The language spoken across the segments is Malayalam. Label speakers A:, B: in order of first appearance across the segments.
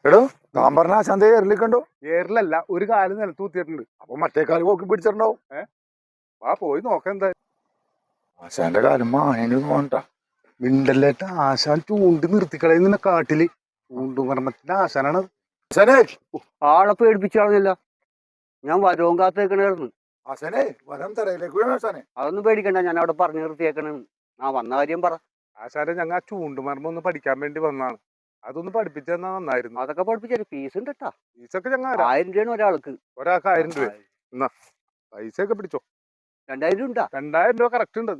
A: എടോ താൻ പറഞ്ഞ ആശാന്തെ ഏറിലിക്കണ്ടോ?
B: ഏറിലല്ല, ഒരു കാല് നിലത്ത് കുത്തിയിട്ടുണ്ട്.
A: അപ്പൊ മറ്റേ കാല് പോക്കി പിടിച്ചിട്ടുണ്ടാവും.
B: വാ പോയി നോക്കാം എന്താ.
A: ആശാന്റെ കാലം മായന് തോന്നട്ടാ.
B: മിണ്ടല്ലേറ്റ ആശാൻ ചൂണ്ടി നിർത്തിക്കളയുന്ന കാട്ടില്. ചൂണ്ടുമർമ്മത്തിന്റെ ആശാനാണ്.
A: ആശാനെ
C: ആളെ പേടിപ്പിച്ചു കളഞ്ഞില്ല. ഞാൻ വരവും കാത്തേക്കണായിരുന്നു.
A: ആശാനെ വരം തറയിലേക്ക് വീണ ആശാനെ.
C: അതൊന്നും പേടിക്കണ്ട, ഞാൻ അവിടെ പറഞ്ഞു നിർത്തിയേക്കണെന്ന്. ആ വന്ന കാര്യം പറ.
B: ആശാനെ ഞങ്ങൾ ആ ചൂണ്ടുമർമ്മം ഒന്ന് പഠിക്കാൻ വേണ്ടി വന്നതാണ്. അതൊന്ന് പഠിപ്പിച്ചു തന്നാ നന്നായിരുന്നു.
C: അതൊക്കെ പഠിപ്പിച്ചു ഫീസ് ഉണ്ട് കേട്ടാ.
B: ഫീസൊക്കെ ഞങ്ങൾ
C: 1000 രൂപയാണ് ഒരാൾക്ക്.
B: ഒരാൾക്ക് 1000 രൂപ. എന്നാ പൈസ ഒക്കെ പിടിച്ചോ.
C: 2000 രൂപ ഉണ്ടാ?
B: 2000 രൂപ കറക്റ്റ് ഉണ്ട്.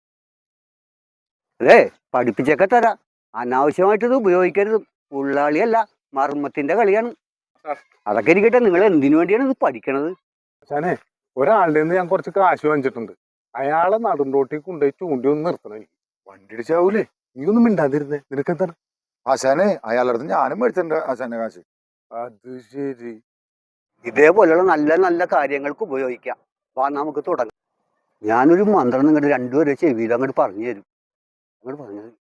C: അതെ, പഠിപ്പിച്ചൊക്കെ തരാം. അനാവശ്യമായിട്ട് ഇത് ഉപയോഗിക്കരുത്. ഉള്ളാളിയല്ല, മർമ്മത്തിന്റെ കളിയാണ്. അതൊക്കെ ഇരിക്കട്ടെ, നിങ്ങൾ എന്തിനു വേണ്ടിയാണ് ഇത് പഠിക്കണത്?
B: ആശാനെ ഒരാളുടെ നിന്ന് ഞാൻ കുറച്ച് കാശ് വാങ്ങിച്ചിട്ടുണ്ട്. അയാളെ നടുംറോട്ടിൽ കൊണ്ടുപോയി ചൂണ്ടി ഒന്ന് നിർത്തണം.
A: വണ്ടി ഇടിച്ചാവൂലേ?
B: നീ ഒന്നും മിണ്ടാതിരുന്നേ, നിനക്ക് എന്താണ്?
A: ആശാനെ അയാളുടെ അടുത്ത് ഞാനും മേടിച്ചിട്ടുണ്ട് ആശാന്റെ കാശ്.
B: അത് ശരി.
C: ഇതേപോലെയുള്ള നല്ല നല്ല കാര്യങ്ങൾക്ക് ഉപയോഗിക്കാം. വാ നമുക്ക് തുടങ്ങാം. ഞാനൊരു മന്ത്രം നിങ്ങളുടെ രണ്ടുപേരെ ചെവിയിൽ അങ്ങോട്ട് പറഞ്ഞു തരും. അങ്ങോട്ട് പറഞ്ഞു തരും.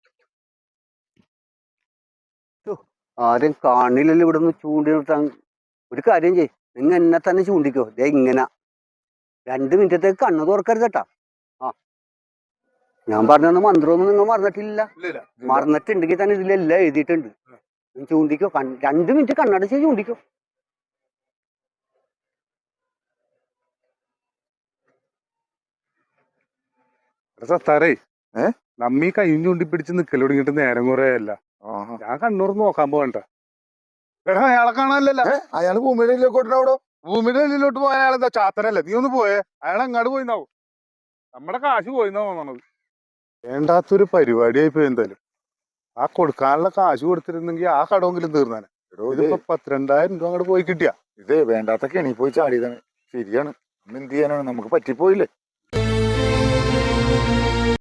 C: ആരും കാണില്ലല്ലോ ഇവിടെ നിന്ന് ചൂണ്ടി നിർത്താൻ. ഒരു കാര്യം ചെയ്, നിങ്ങൾ എന്നെ തന്നെ ചൂണ്ടിക്കോ. ദേ ഇങ്ങനെ 2 മിനിറ്റത്തേക്ക് കണ്ണു തുറക്കരുത് കേട്ടാ. ആ, ഞാൻ പറഞ്ഞ മന്ത്രമൊന്നും നിങ്ങൾ മറന്നിട്ടില്ല. മറന്നിട്ടുണ്ടെങ്കിൽ തന്നെ ഇതിലെല്ലാം എഴുതിയിട്ടുണ്ട്. ചൂണ്ടിക്കോ. 2 മിനിറ്റ് കണ്ണടച്ച് ചൂണ്ടിക്കോ.
B: സത്താറേ, നമ്മീ കയ്യും ചൂണ്ടി പിടിച്ച് നിക്കല് തുടങ്ങിയിട്ട് നേരം കുറെ അല്ല. ഞാൻ കണ്ണൂർന്ന് നോക്കാൻ പോകണ്ട. എടാ അയാളെ കാണാനല്ലോ.
A: അയാള് ഭൂമിയുടെ ഉള്ളിലോട്ട്
B: ഭൂമിയുടെ ഉള്ളിലോട്ട് പോയ അയാളെന്താ ചാത്തനല്ലേ? നീ ഒന്ന് പോയേ. അയാൾ എങ്ങാട് പോയിന്നാവും. നമ്മുടെ കാശ് പോയിന്നാ തോന്നണത്. വേണ്ടാത്തൊരു പരിപാടിയായി പോയി. എന്തായാലും ആ കൊടുക്കാനുള്ള കാശ് കൊടുത്തിരുന്നെങ്കിൽ ആ കടമെങ്കിലും തീർന്നാനെ. ഇതിപ്പോ 10,000-2000 രൂപ അങ്ങോട്ട് പോയി കിട്ടിയാ.
A: ഇതേ വേണ്ടാത്തൊക്കെ എണീ പോയി ചാടിയതാണ്. ശരിയാണ്. എന്ത് ചെയ്യാനാണ്, നമുക്ക് പറ്റിപ്പോയില്ലേ.